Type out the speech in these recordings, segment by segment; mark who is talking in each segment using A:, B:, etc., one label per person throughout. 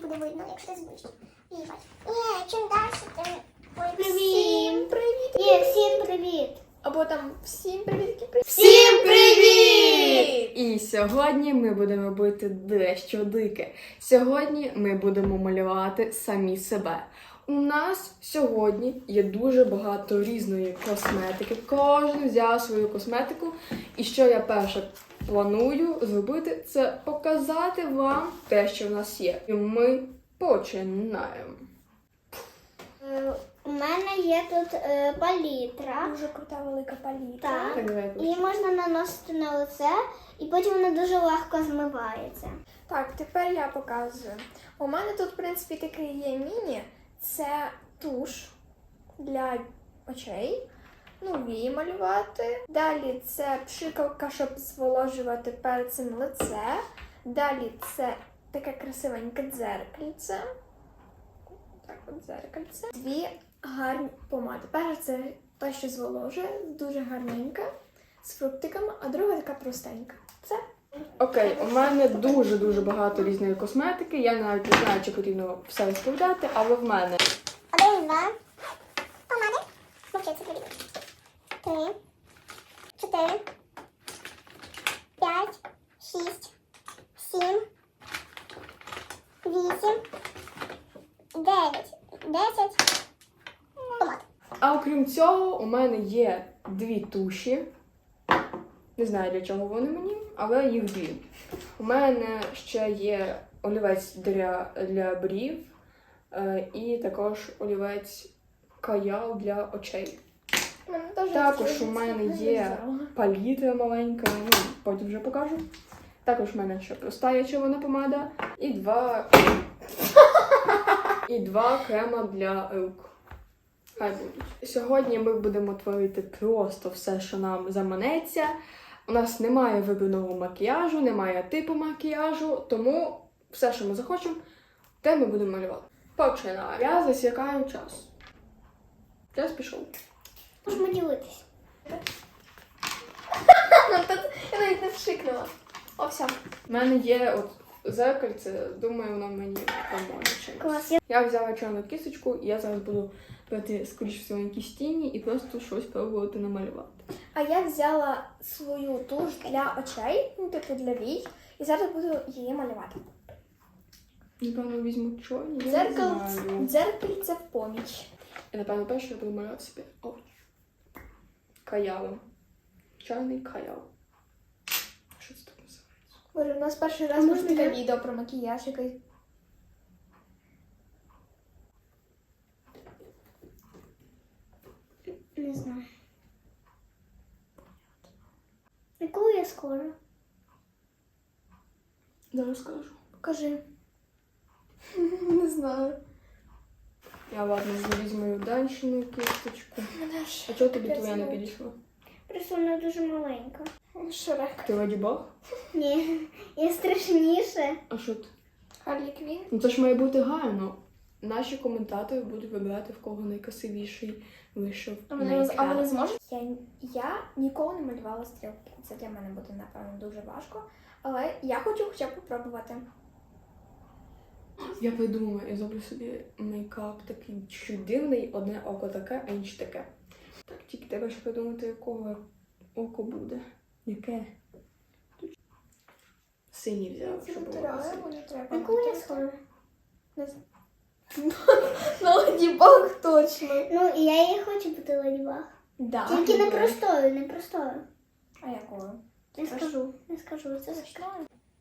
A: буде видно, якщо ти зближиш. Їбать. Ні, чим далі, тим... Ой,
B: Всім привіт!
A: Ні, всім привіт.
B: Або там всім привіт!
A: Всім привіт!
C: І сьогодні ми будемо робити дещо дике. Сьогодні ми будемо малювати самі себе. У нас сьогодні є дуже багато різної косметики. Кожен взяв свою косметику. І що я перше планую зробити, це показати вам те, що в нас є. І ми починаємо.
A: У мене є тут палітра.
B: Дуже крута велика палітра.
A: Так.
C: Так, давай,
A: Її можна наносити на лице, і потім вона дуже легко змивається.
B: Так, тепер я показую. У мене тут, в принципі, такий є міні. Це туш для очей. Ну, вії малювати. Далі це пшикалка, щоб зволожувати перед цим лице. Далі це таке красивеньке дзеркальце. Так, от дзеркальце. Дві гарні помади. Перша це та, що зволожує, дуже гарненька, з фруктиками, а друга така простенька. Це.
C: Окей, у мене дуже-дуже багато різної косметики. Я навіть не знаю, чи потрібно все розповідати, але в мене
A: 1, 2. Помади. Мовчиться привіт. 3, 4, 5, 6, 7, 8, 9, 10. Помад.
C: А окрім цього, у мене є дві туші. Не знаю, для чого вони мені, але їх дві. У мене ще є олівець для брів і також олівець каял для очей. Також у мене є палітра маленька, ну, потім вже покажу. Також у мене ще проста є червона помада і два крема для рук. Хай будуть. Сьогодні ми будемо творити просто все, що нам заманеться. У нас немає вибраного макіяжу, немає типу макіяжу, тому все, що ми захочемо, те ми будемо малювати. Починаємо. Я засікаю час. Час пішов.
A: Можемо ділитись.
B: Я навіть не вшикнула. О, все.
C: У мене є от зеркальце, думаю, воно мені поможе чимось.
A: Клас.
C: Я взяла чорну кісточку, і я зараз буду брати, скоріш всього, якісь тіні і просто щось пробувати намалювати.
B: А я взяла свою туш для очей, ну, типу для вій, і зараз буду її малювати.
C: Напевно, візьму чорні. Я не знаю.
B: Дзеркальце в поміч.
C: І, напевно, перше я буду малювати собі очі. Каялом. Чорний каял. Що це так називається?
B: Боже, у нас перший раз
A: Можна
B: буде таке
A: я?
B: відео про макіяж якийсь.
A: Не знаю. Яку я скоро?
C: Зараз скажу.
B: Покажи. Не знаю.
C: Я, ладно, візьму данщину кісточку.
B: Мене ж
C: А чого тобі
B: капець
C: твоя не
B: звуть.
C: підійшла?
A: Просто вона дуже маленька.
B: Шрек.
C: Ти Леді Баг?
A: Ні, я страшніше.
C: А що ти?
B: Харлі Квін.
C: Ну це ж має бути гарно. Наші коментатори будуть вибирати, в кого найкрасивіший вийшов.
B: А вони зможуть? Я ніколи не малювала стрілки. Це для мене буде, напевно, дуже важко. Але я хочу хоча б попробувати.
C: Я придумала, я зроблю собі мейкап такий чуть дивний, одне око таке, а інше таке. Так, тільки треба ще придумати, якого око буде. Яке? Синій взяла, щоб було красиво.
B: Не треба.
A: Яку я скоро?
B: Не знаю. На Леді Баг точно.
A: Ну, і я її хочу бути Ладібаг.
B: Да.
A: Тільки не простою, не простою.
B: А якою?
A: Не скажу, не скажу. Це скажу.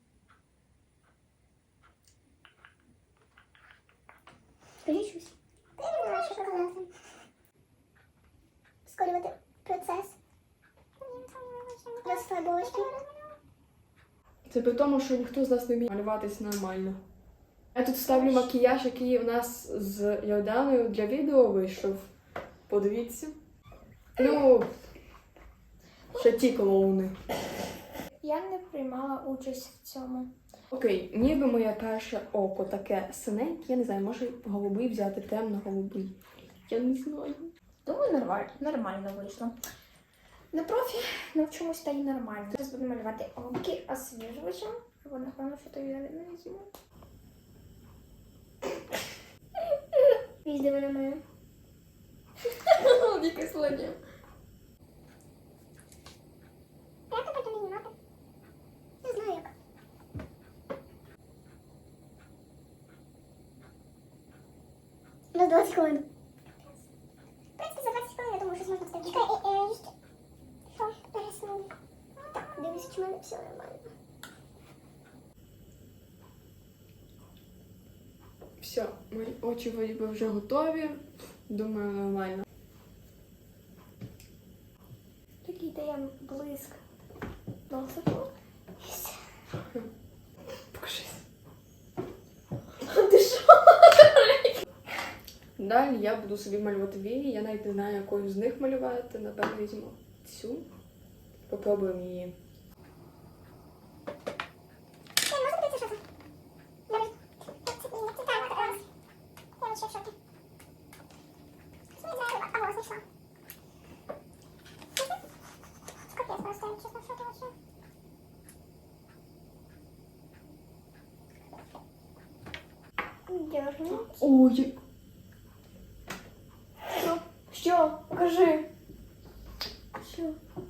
A: Скажи щось. Я не знаю, що казати. Скорювати процес. Розфарбовочки.
C: Це при тому, що ніхто з нас не вміє малюватись нормально. Я тут ставлю макіяж, який у нас з Йорданою для відео вийшов. Подивіться. Ну, ще ті клоуни.
B: Я не приймала участь в цьому.
C: Окей, ніби моє перше око таке синеньке, я не знаю, може голубий взяти, темно-голубий. Я не знаю.
B: Думаю, нормально вийшло. На профі навчимось та й нормально. Зараз буду малювати оки освіжувачем. Або, напевно, що то я не візьму.
A: Дивись, де вона моя.
B: Яке слоня.
A: Як ти потім її мати? Не знаю як. На 20 хвилин. В принципі, за 20 хвилин, я думаю, щось можна встигнути. Чекай, що? Пересуну. Дивись, чи в мене все нормально.
C: Все, мої очі вроді вже готові. Думаю, нормально.
B: Такий дає блиск носику.
C: Покажись.
B: Ти що?
C: Далі я буду собі малювати вії. Я навіть не знаю, якою з них малювати. Напевно, візьму цю. Попробуємо її.
A: Дёрну.
C: Ой,
B: Що? Покажи. Що?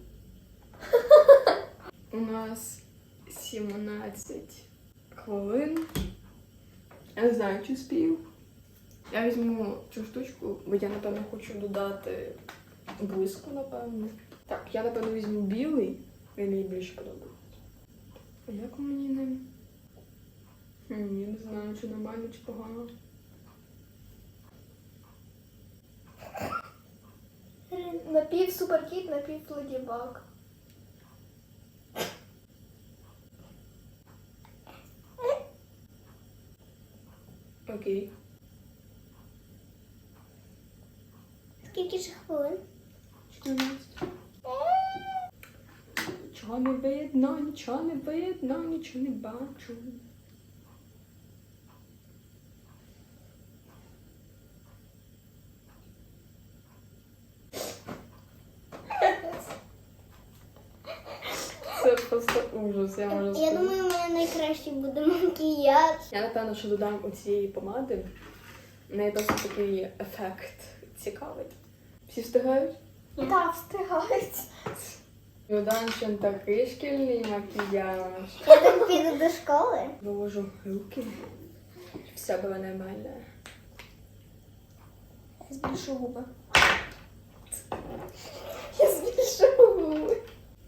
C: у нас 17 хвилин. Я не знаю, чи спів. Я візьму цю штучку, бо я, напевно, хочу додати блиску, напевно. Так, я, напевно, візьму білий. Він мені більше подобається. А як мені ним? Я не знаю, чи нормально, чи погано.
B: Напів суперкіт, напів леді баг.
C: Окей.
A: Скільки ж хвилин?
C: 14. Нічого не видно, нічого не видно, нічого не бачу. Це просто ужас, я можу
A: Я
C: сказати.
A: думаю, у мене найкращий буде макіяж.
C: Я, напевно, що додам оцієї помади. У неї досить такий ефект цікавий. Всі встигають?
B: Так, встигають.
C: Додам ще такий шкільний макіяж.
A: Я так піду до школи.
C: Виложу руки. Все було нормально.
B: Я збільшу губи. Я збільшу губи.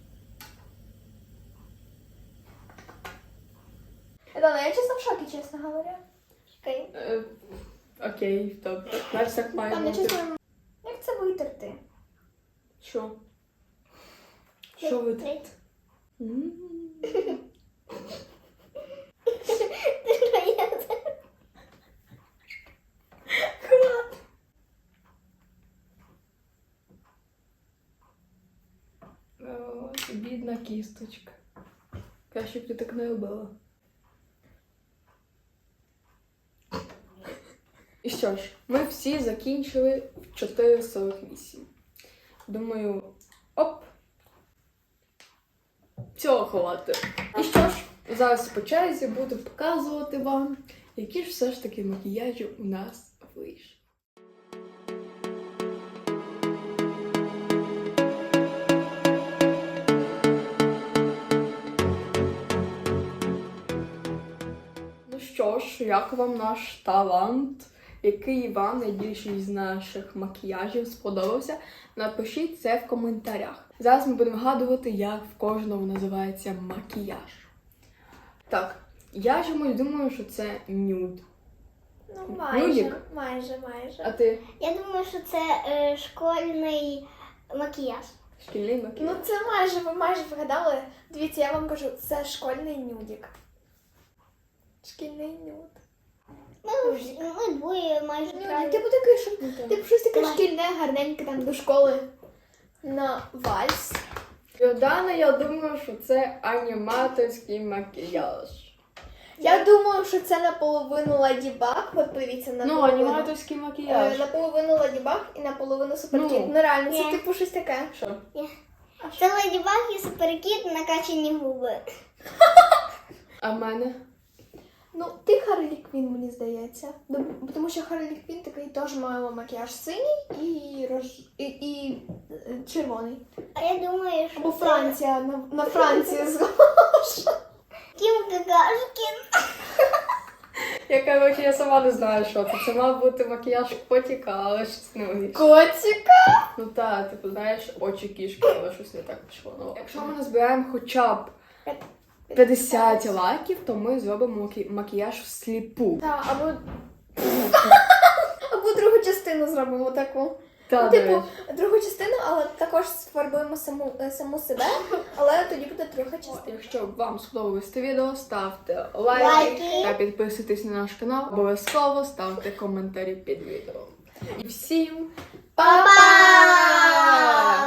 B: Дана, я чесно в шокі, чесно говоря.
A: Чекай.
C: Окей, добре. Знаєш, так має
B: Там, я
C: бути.
B: чесно, як це витерти?
C: Що? Що ви тут?
A: Треть.
C: М. О, бідна кісточка. Краще б ти так не робила. І що ж, ми всі закінчили в 4:48. Думаю, оп! Цього хватить. І що ж, зараз по черзі буду показувати вам, які ж все ж таки макіяжі у нас вийшли. Ну що ж, як вам наш талант? Який вам найбільший з наших макіяжів сподобався? Напишіть це в коментарях. Зараз ми будемо гадувати, як в кожного називається макіяж. Так, я чомусь думаю, що це нюд.
B: Ну, майже,
C: Нудик?
B: майже.
C: А ти
A: Я думаю, що це школьний макіяж.
C: шкільний
B: Ну
C: макіяж?
B: це майже, ви майже вгадали. Дивіться, я вам кажу, це школьний нюдик. Шкільний нюд.
A: Ми двоє майже
B: Нюдик,
A: правильно.
B: типу такий, що типу щось таке
A: Давай.
B: шкільне, гарненьке там до школи на вальс.
C: Йордана, я думаю, що це аніматорський макіяж.
B: Я думаю, що це наполовину Леді Баг. От подивіться,
C: Ну,
B: наполовину.
C: аніматорський макіяж.
B: Наполовину Леді Баг і наполовину Суперкіт.
C: Ну.
B: Ну реально, це
A: Ні.
B: типу щось таке.
C: Що?
A: Це Леді Баг і Суперкіт накачані губи.
C: А в мене?
B: Ну, ти Харлі Квін, мені здається. Тому що Харлі Квін такий теж має макіяж синій і червоний.
A: А я думаю, що
B: Або
A: це
B: Франція, на Францію схожа.
A: Кім Какашкін.
C: Я, коротше, я сама не знаю, що це. Це мав бути макіяж котика, але щось не вийшло.
B: Котика.
C: Ну так, типу, знаєш, очі кішки, але щось не так пішло. Ну, якщо ми назбираємо хоча б 50 лайків, то ми зробимо макіяж всліпу.
B: Так, або другу частину зробимо таку.
C: Та,
B: Ну,
C: до
B: типу,
C: речі.
B: другу частину, але також сфарбуємо саму себе, але тоді буде друга частина.
C: Якщо вам сподобалось це відео, ставте лайки
A: Лайки.
C: та підписуйтесь на наш канал. Обов'язково ставте коментарі під відео. І всім
A: Па-па!